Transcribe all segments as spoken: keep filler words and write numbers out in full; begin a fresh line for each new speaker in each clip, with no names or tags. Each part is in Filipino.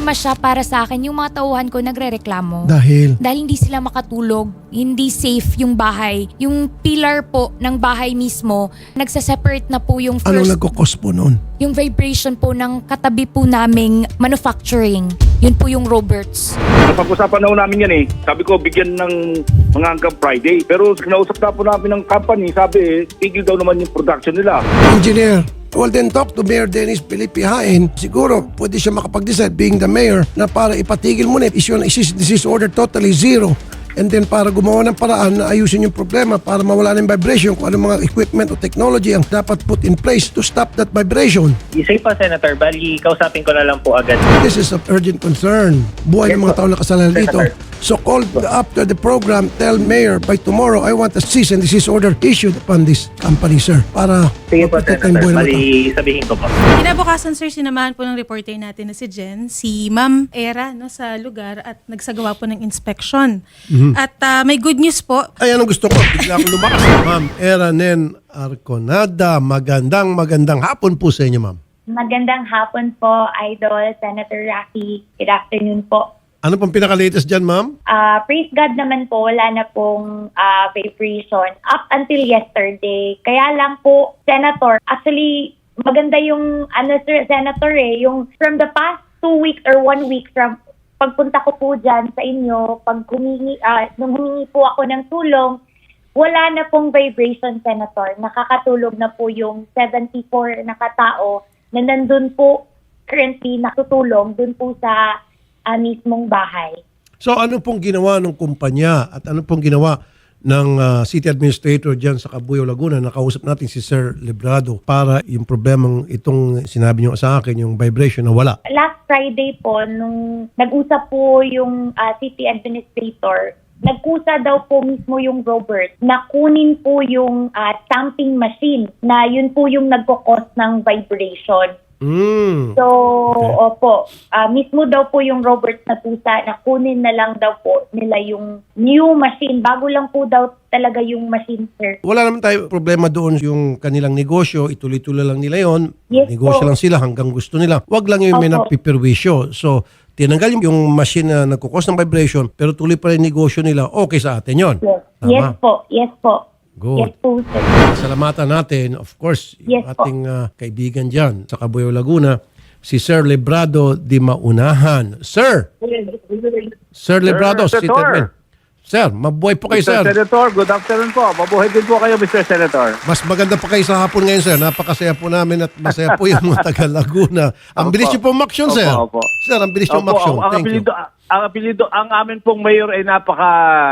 problema siya para sa akin. Yung mga tauhan ko nagrereklamo.
Dahil?
Dahil hindi sila makatulog, hindi safe yung bahay. Yung pillar po ng bahay mismo, nagsaseparate na po yung
Anong
first,
nagkukos po noon?
yung vibration po ng katabi po naming manufacturing. Yun po yung Roberts.
Napag-usapan na po namin yan eh. Sabi ko, bigyan ng mga hanggang Friday. Pero kinausap na po namin ng company, sabi eh, tigil daw naman yung production nila.
Engineer, well then talk to Mayor Dennis Felipe Hain. Siguro pwede siya makapag-decide being the mayor na para ipatigil muna, issue ng disease order totally zero. And then para gumawa ng paraan na ayusin yung problema para mawala ng vibration kung anong mga equipment o technology ang dapat put in place to stop that vibration.
Isay pa, Senator. Bali, kausapin ko na lang po agad.
This is of urgent concern. Buhay ng mga tao na kasalanan dito. So call after the program, tell Mayor by tomorrow I want a cease and desist order issued upon this company, sir. Para
Sige po,
maprotekta yung
Senator.
buhay ng mga tao.
Bali, sabihin ko po.
Kinabukasan, sir, sinamahan po ng reporter natin na si Jen, si Ma'am Era, no, sa lugar at nagsagawa po ng inspection. At ah, may good news po.
Ay, anong gusto ko? Bigla akong lumakas. Ma'am Era Nen Arconada, magandang magandang hapon po sa inyo, ma'am.
Magandang hapon po, Idol, Senator Rafi. Good afternoon po.
Ano pong pinaka-latest dyan, ma'am?
Ah, praise God naman po, wala na pong ah, vibration up until yesterday. Kaya lang po, Senator, actually, maganda yung, ano, sir, Senator eh, yung from the past two weeks or one week from pagpunta ko po dyan sa inyo, pag humingi, ah, nung humingi po ako ng tulong, wala na pong vibration, Senator. Nakakatulog na po yung seventy-four na katao na nandun po currently nakutulong dun po sa uh, mismong bahay.
So ano pong ginawa ng kumpanya at ano pong ginawa ng ah, city administrator dyan sa Cabuyao, Laguna? Nakausap natin si Sir Librado para yung problemang itong sinabi niyo sa akin, yung vibration na wala.
Last Friday po, nung nag-usap po yung uh, city administrator, nagkusa daw po mismo yung Robert na kunin po yung uh, stamping machine na yun po yung nagkukos ng vibration.
Mm.
So, opo, ah, mismo daw po yung Robert na pusa na kunin na lang daw po nila yung new machine. Bago lang po daw talaga yung machine, sir.
Wala naman tayo problema doon yung kanilang negosyo, ituloy-tuloy lang nila yon.
Yes
Negosyo
po.
lang sila hanggang gusto nila. Wag lang yung may
Opo.
napiperwisyo. So, tinanggal yung, yung machine na nagkukos ng vibration pero tuloy pa rin negosyo nila, okay sa atin yon.
Yes,
Tama?
yes po, yes po.
Good.
Yes po, sir.
Salamatan natin, of course, yung
Yes po.
ating ah, kaibigan dyan sa Cabuyao, Laguna, si Sir Librado di Maunahan. Sir! Sir Librado,
Sir
City
Senator.
Admin. Sir, mabuhay po kayo,
mister
sir.
Senator, good afternoon po. Mabuhay din po kayo, mister Senator.
Mas maganda pa kayo sa hapon ngayon, sir. Napakasaya po namin at masaya po yung mga taga Laguna. Ang
Opo.
bilis niyo po umaksyon,
Opo,
sir.
opo.
Sir, ang bilis niyo
Opo,
umaksyon.
ang, ang
Thank you.
apelido, ang apelido, ang amin pong mayor ay napaka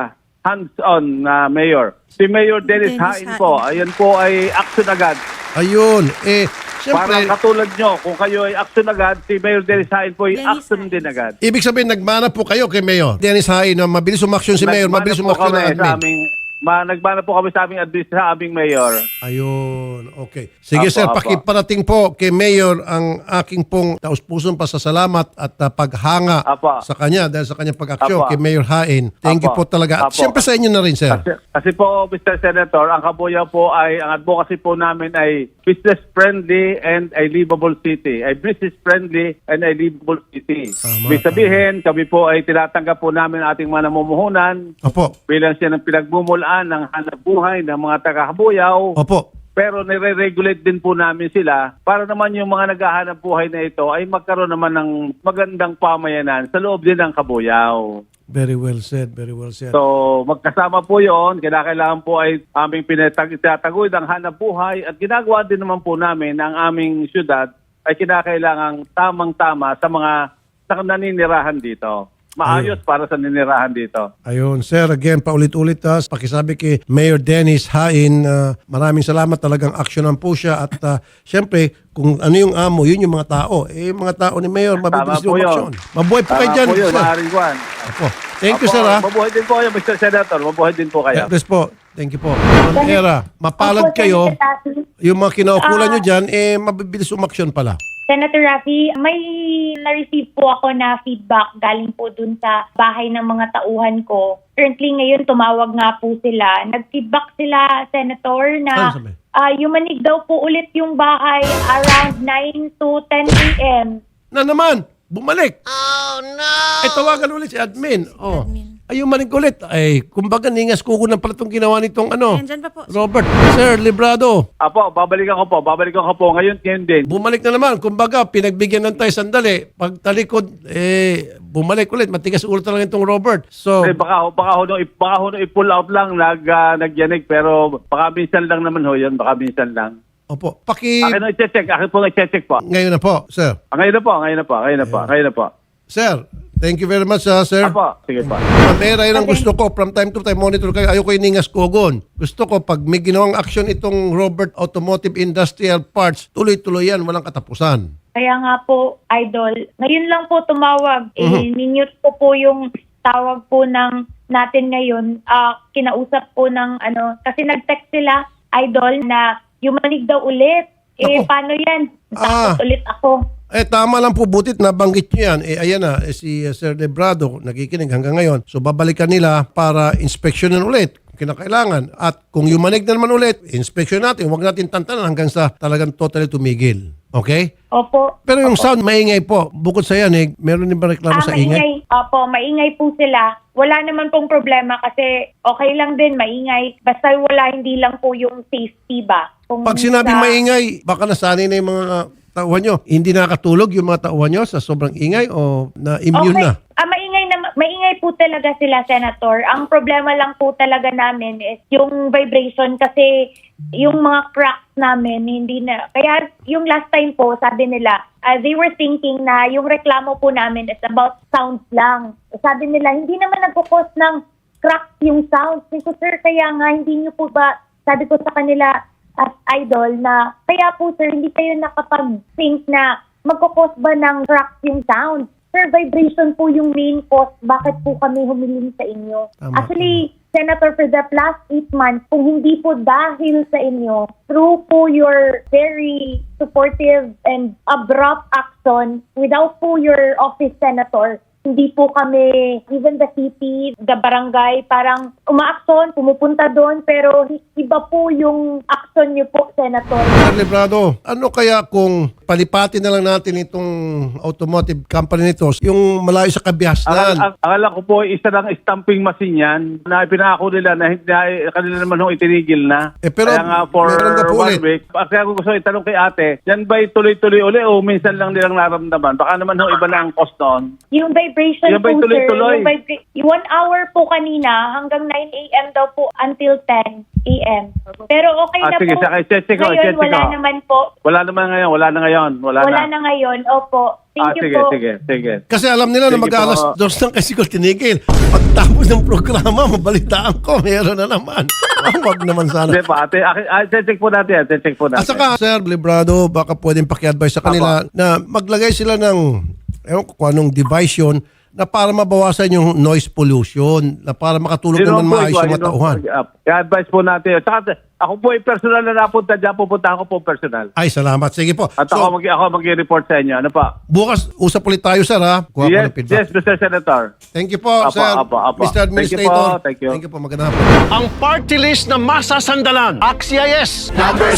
hands-on na mayor. Si Mayor Dennis,
Dennis
Hain po.
Hain.
Ayan po ay action agad.
Ayun. Eh,
Parang
siyempre,
katulad nyo, kung kayo ay action agad, si Mayor Dennis Hain po ay
Dennis
action
Hain.
din agad.
ibig sabihin, nagmana po kayo kay Mayor. Dennis Hain, na mabilis umaksyon si Mayor,
Nagmana
mabilis
po
umaksyon
kami
ng
sa
admin.
aming, ma, nagbana po kami sa aming admin sa aming mayor.
Ayun, okay. Sige
Apo,
sir,
apo.
pakiparating po kay Mayor ang aking pong taus-pusong pasasalamat at uh, paghanga
Apo.
sa kanya dahil sa kanyang pag-aksyon
Apo.
kay Mayor Hain. Thank you
Apo.
po talaga. At
Apo.
siyempre sa inyo na rin, sir.
Kasi, kasi po, mister Senator, ang Cabuyao po ay, ang advocacy po namin ay business-friendly and a livable city. Ay business-friendly and a livable city.
Tama,
Ibig sabihin, kami po ay tinatanggap po namin ang ating mga namumuhunan
Opo.
bilang siya ng pinagmumulaan ng hanap buhay ng mga taga-Cabuyao.
Opo.
Pero nire-regulate din po namin sila para naman yung mga naghahanap buhay na ito ay magkaroon naman ng magandang pamayanan sa loob din ng Cabuyao.
Very well said, very well said.
So, magkasama po yon. Kailangan po ay aming pinataguyod ang hanap buhay at ginagawa din naman po namin ang aming syudad ay kinakailangang tamang-tama sa mga sa naninirahan dito. Maayos para sa ninirahan dito.
Ayun, sir, again, paulit-ulit ha, pakisabi kay Mayor Dennis Hain, uh, maraming salamat, talagang aksyonan po siya at uh, syempre, kung ano yung amo, yun yung mga tao. Eh, yung mga tao ni Mayor, mabibilis
Tama po
yung
yun.
aksyon. Mabuhay po kayo
Tama
dyan,
po yun,
sir.
maaaring Juan.
Opo. Thank you,
Opo,
sir, ha.
Mabuhay din po kayo, mister Senator. Mabuhay din po kayo.
God bless po. Thank you po. Ma'am Era, mapalad
Opo,
kayo.
Senator Rafi.
Yung mga kinaukulan
Ah.
nyo dyan, eh, mabibilis umaksyon pala.
Senator Rafi, may na-receive po ako na feedback galing po dun sa bahay ng mga tauhan ko. Currently ngayon, tumawag nga po sila. Nag-feedback sila, Senator,
Ano
na
sabi?
uh, yumanig daw po ulit yung bahay around nine to ten a m
Na naman, bumalik. Ay, tawagan ulit si admin. Oh.
admin.
Ayun manig ulit. Ay, kumbaga ningas kuko ng pala itong ginawa nitong ano.
Ayan, dyan pa po.
Robert. Sir, Librado.
Apo, babalikan ko po. Babalikan ko po. Ngayon, ngayon din.
Bumalik na naman. Kumbaga, pinagbigyan ng tayo sandali. Pag talikod, eh, bumalik ulit. Matigas ulo talaga itong Robert. So,
Eh, baka, baka ho, nung, baka ho, nung i-pull out lang, nag, ah, nagyanig. Pero baka minsan lang naman ho yun. Baka minsan lang.
opo. Paki...
Akin na i-check. Akin po i-check po.
Ngayon na po, sir.
Ah, ngayon na po. Ngayon na po. Ngayon na po. Ngayon na po.
Sir, thank you very much, ah, sir.
Apo. Sige po.
Ma'am Era, yun ang gusto ko. From time to time, monitor kayo. Ayoko yung ningas kogon. Gusto ko, pag may ginawang action itong Robert Automotive Industrial Parts, tuloy-tuloy yan, walang katapusan.
Kaya nga po, Idol, ngayon lang po tumawag. Eh,
Mhm.
minute ko po yung tawag po ng natin ngayon. Ah, kinausap po ng ano, kasi nag-text sila, Idol, na yumanig daw ulit. Eh,
Ako.
paano yan?
Ah.
Takot ulit ako.
Eh, tama lang po, butit nabanggit nyo yan. Eh, ayan na, eh, si uh, Sir Lebrado, nakikinig hanggang ngayon. So, babalikan nila para inspeksyonin ulit kung kinakailangan. At kung yumanig na naman ulit, inspeksyon natin. Huwag natin tantanan hanggang sa talagang totally tumigil. Okay?
Opo.
Pero yung sound, maingay po. Bukod sa yan, eh, meron din ba reklamo
Ah,
sa ingay?
maingay. Opo, maingay po sila. Wala naman pong problema kasi okay lang din, maingay. Basta wala, hindi lang po yung safety ba. Kung
Pag sinabing
sa-
maingay, baka nasanay na yung mga tauhan nyo. Hindi nakakatulog yung mga tauhan nyo sa sobrang ingay o na-immune
Okay.
na?
Ah, maingay na maingay po talaga sila, Senator. Ang problema lang po talaga namin is yung vibration kasi yung mga cracks namin hindi na. Kaya yung last time po, sabi nila, ah, they were thinking na yung reklamo po namin is about sounds lang. Sabi nila, hindi naman nagkukos ng cracks yung sounds. Sabi ko, sir, kaya nga hindi niyo po ba, sabi ko sa kanila as Idol na, kaya po sir, hindi kayo nakapag-think na magkukos ba ng cracks yung sound. Sir, vibration po yung main cause. Bakit po kami humiling sa inyo?
Tama,
Actually, Senator, for the last eight months, kung hindi po dahil sa inyo, through po your very supportive and abrupt action, without po your office, Senator, hindi po kami, even the city, the barangay, parang umaaksyon, pumupunta doon, pero iba po yung action niyo po, Senator.
Sir Librado, ano kaya kung palipatin na lang natin itong automotive company nito, yung malayo sa
Ang,
kabihasnan?
ang, ang alam ko po, isa lang stamping machine yan na pinako nila na hindi na, kanila naman ho itinigil na.
Eh, pero
Kaya nga for
meron na po
one
ulit.
week. Kaya ko gusto itanong kay ate, yan ba'y tuloy-tuloy uli o minsan lang nilang naramdaman? Baka naman ho iba na ang cost noon.
Yung vibration
Yung
po,
ba'y
sir,
tuloy-tuloy?
yung vibra- yung one hour po kanina hanggang nine a.m. daw po until ten a.m. Pero okay
Ah,
na
sige,
po.
saka i-check ko,
Ngayon,
i-check
wala
ko.
naman po.
Wala naman ngayon, wala na ngayon. Wala,
Wala
na.
na ngayon. Opo. Thank
ah,
you
sige,
po.
sige, sige.
Kasi alam nila na
Sige
mag-alas
po.
dos ng kasi ko tinigil. Pagtapos ng programa, mabalitaan ko, meron na naman. Ah, wag naman sana.
Hindi pa, ate, ate, ate, check po natin, ate, check po natin.
At saka, Sir Librado, baka pwedeng paki-advise sa kanila na maglagay sila ng, ewan ko kung anong device yun, na para mabawasan yung noise pollution, na para makatulog
Yun
naman
ang po,
maayos
yun
yung
ang-
matauhan.
I-advise po natin. Saka, ako po ay personal na napunta dyan, pupunta ako po personal.
Ay, salamat. Sige po.
At
So,
ako, mag, ako mag-report sa inyo. Ano pa?
bukas, usap ulit tayo, sir, ha? Kuha ko
Yes,
ng feedback.
yes, Mister Senator.
Thank you po,
Apo,
sir.
apo, apo.
Mister
Thank you
Administrator.
po, thank you.
Thank you po. Magandang hapon.
Ang party list na masasandalan. Axias.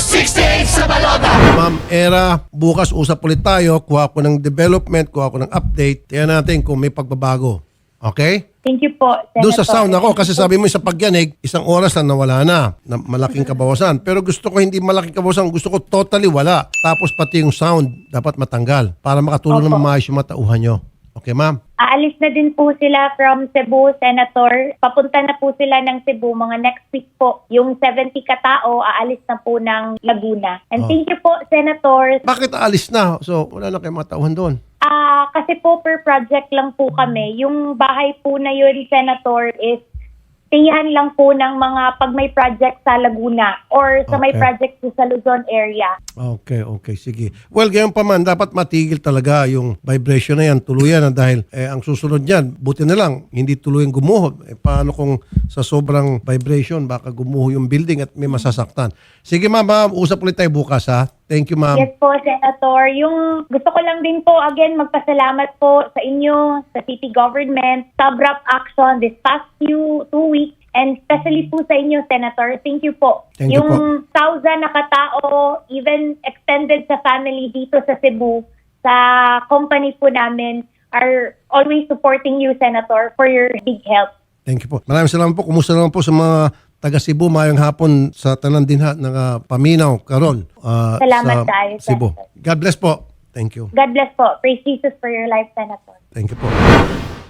Ma'am Era, bukas usap ulit tayo. Kuha ko ng development, kuha ko ng update. Tingnan natin kung may pagbabago. Okay?
Thank you po, Senator.
Doon sa sound ako, kasi sabi mo sa pagyanig, isang oras na nawala na, na malaking kabawasan. Pero gusto ko hindi malaking kabawasan, gusto ko totally wala. Tapos pati yung sound, dapat matanggal para makatulong
Opo.
ng maayos yung matauhan nyo. Okay, ma'am?
Aalis na din po sila from Cebu, Senator. Papunta na po sila ng Cebu mga next week po. Yung seventy katao, aalis na po ng Laguna. And
Oh.
thank you po, Senator.
Bakit aalis na? So, wala na kayong matauhan doon.
Ah, kasi po per project lang po kami. Yung bahay po na yun, Senator, is tiyan lang po ng mga pag may project sa Laguna or sa may
Okay.
project po sa Luzon area.
Okay, okay, sige. Well, gayon pa man, dapat matigil talaga yung vibration na yan, tuluyan na dahil eh, ang susunod niyan, buti na lang, hindi tuluyang gumuho. Eh, paano kung sa sobrang vibration, baka gumuho yung building at may masasaktan. Sige ma'am, ma'am, usap ulit tayo bukas ha. Thank you ma'am.
Yes po, Senator. Yung gusto ko lang din po, again, magpasalamat po sa inyo, sa city government, sa abrupt action this past few two weeks, and especially po sa inyo, Senator. Thank you po.
Thank you
yung thousand na katao, even extended sa family dito sa Cebu, sa company po namin, are always supporting you, Senator, for your big help.
Thank you po. Maraming salamat po. Kumusta naman po sa mga taga Cebu, mayong hapon sa tanan din ha ng ah, paminaw karon ah,
Salamat
sa
tayo,
Cebu.
Senator.
God bless po. Thank you.
God bless po. Praise Jesus for your life, Senator.
Thank you po.